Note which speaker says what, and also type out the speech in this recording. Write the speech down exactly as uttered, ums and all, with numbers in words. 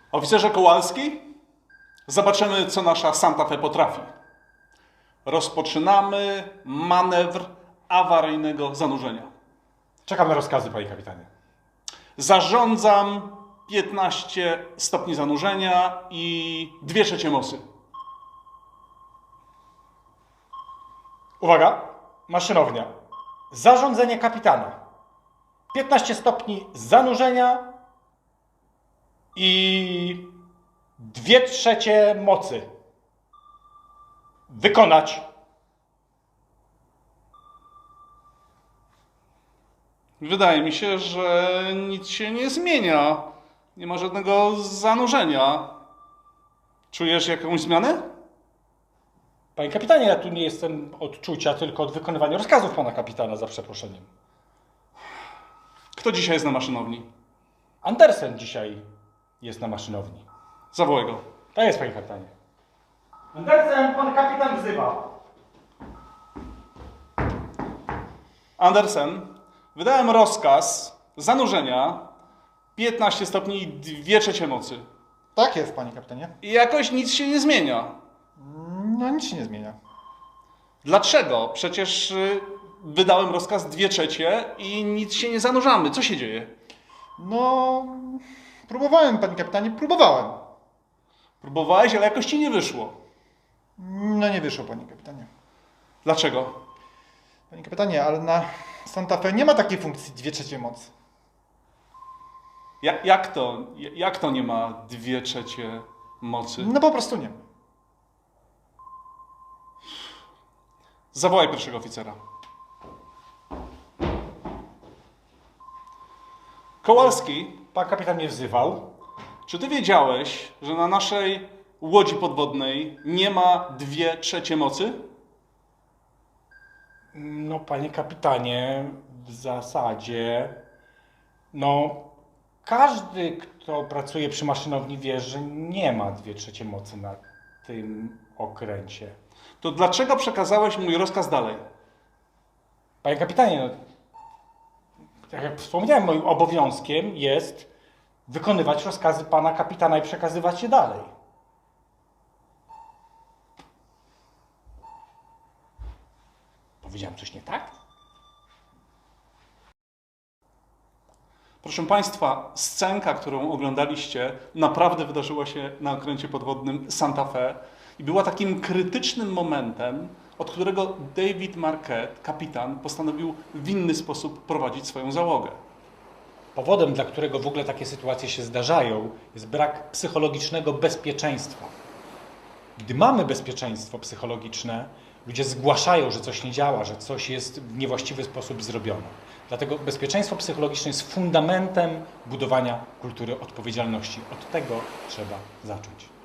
Speaker 1: Oficerze Kowalski, zobaczymy, co nasza Santa Fe potrafi. Rozpoczynamy manewr awaryjnego zanurzenia.
Speaker 2: Czekam na rozkazy, panie kapitanie.
Speaker 1: Zarządzam piętnaście stopni zanurzenia i dwie trzecie mocy.
Speaker 2: Uwaga, maszynownia. Zarządzenie kapitana. piętnaście stopni zanurzenia i dwie trzecie mocy. Wykonać.
Speaker 1: Wydaje mi się, że nic się nie zmienia. Nie ma żadnego zanurzenia. Czujesz jakąś zmianę?
Speaker 2: Panie kapitanie, ja tu nie jestem od czucia, tylko od wykonywania rozkazów pana kapitana, za przeproszeniem.
Speaker 1: Kto dzisiaj jest na maszynowni?
Speaker 2: Andersen dzisiaj jest na maszynowni.
Speaker 1: Zawołaj go.
Speaker 2: Tak jest, panie kapitanie. Andersen, pan kapitan wzywa.
Speaker 1: Andersen, wydałem rozkaz zanurzenia piętnaście stopni i dwie trzecie mocy.
Speaker 3: Tak jest, panie kapitanie.
Speaker 1: I jakoś nic się nie zmienia.
Speaker 3: No nic się nie zmienia.
Speaker 1: Dlaczego? Przecież y, wydałem rozkaz dwie trzecie i nic się nie zanurzamy. Co się dzieje?
Speaker 3: No, próbowałem, panie kapitanie, próbowałem.
Speaker 1: Próbowałeś, ale jakoś ci nie wyszło.
Speaker 3: No nie wyszło, panie kapitanie.
Speaker 1: Dlaczego?
Speaker 3: Panie kapitanie, ale na Santa Fe nie ma takiej funkcji dwie trzecie mocy.
Speaker 1: Ja, jak to? Jak to nie ma dwie trzecie mocy?
Speaker 3: No po prostu nie ma.
Speaker 1: Zawołaj pierwszego oficera. Kowalski,
Speaker 2: Pan kapitan mnie wzywał.
Speaker 1: czy ty wiedziałeś, że na naszej łodzi podwodnej nie ma dwie trzecie mocy?
Speaker 2: No, panie kapitanie, w zasadzie, no, każdy, kto pracuje przy maszynowni, wie, że nie ma dwie trzecie mocy na tym okręcie.
Speaker 1: To dlaczego przekazałeś mój rozkaz dalej?
Speaker 2: Panie kapitanie, no, tak jak wspomniałem, moim obowiązkiem jest wykonywać rozkazy pana kapitana i przekazywać je dalej. Powiedziałem coś nie tak?
Speaker 1: Proszę Państwa, scenka, którą oglądaliście, naprawdę wydarzyła się na okręcie podwodnym Santa Fe i była takim krytycznym momentem, od którego David Marquette, kapitan, postanowił w inny sposób prowadzić swoją załogę.
Speaker 2: Powodem, dla którego w ogóle takie sytuacje się zdarzają, jest brak psychologicznego bezpieczeństwa. Gdy mamy bezpieczeństwo psychologiczne, ludzie zgłaszają, że coś nie działa, że coś jest w niewłaściwy sposób zrobione. Dlatego bezpieczeństwo psychologiczne jest fundamentem budowania kultury odpowiedzialności. Od tego trzeba zacząć.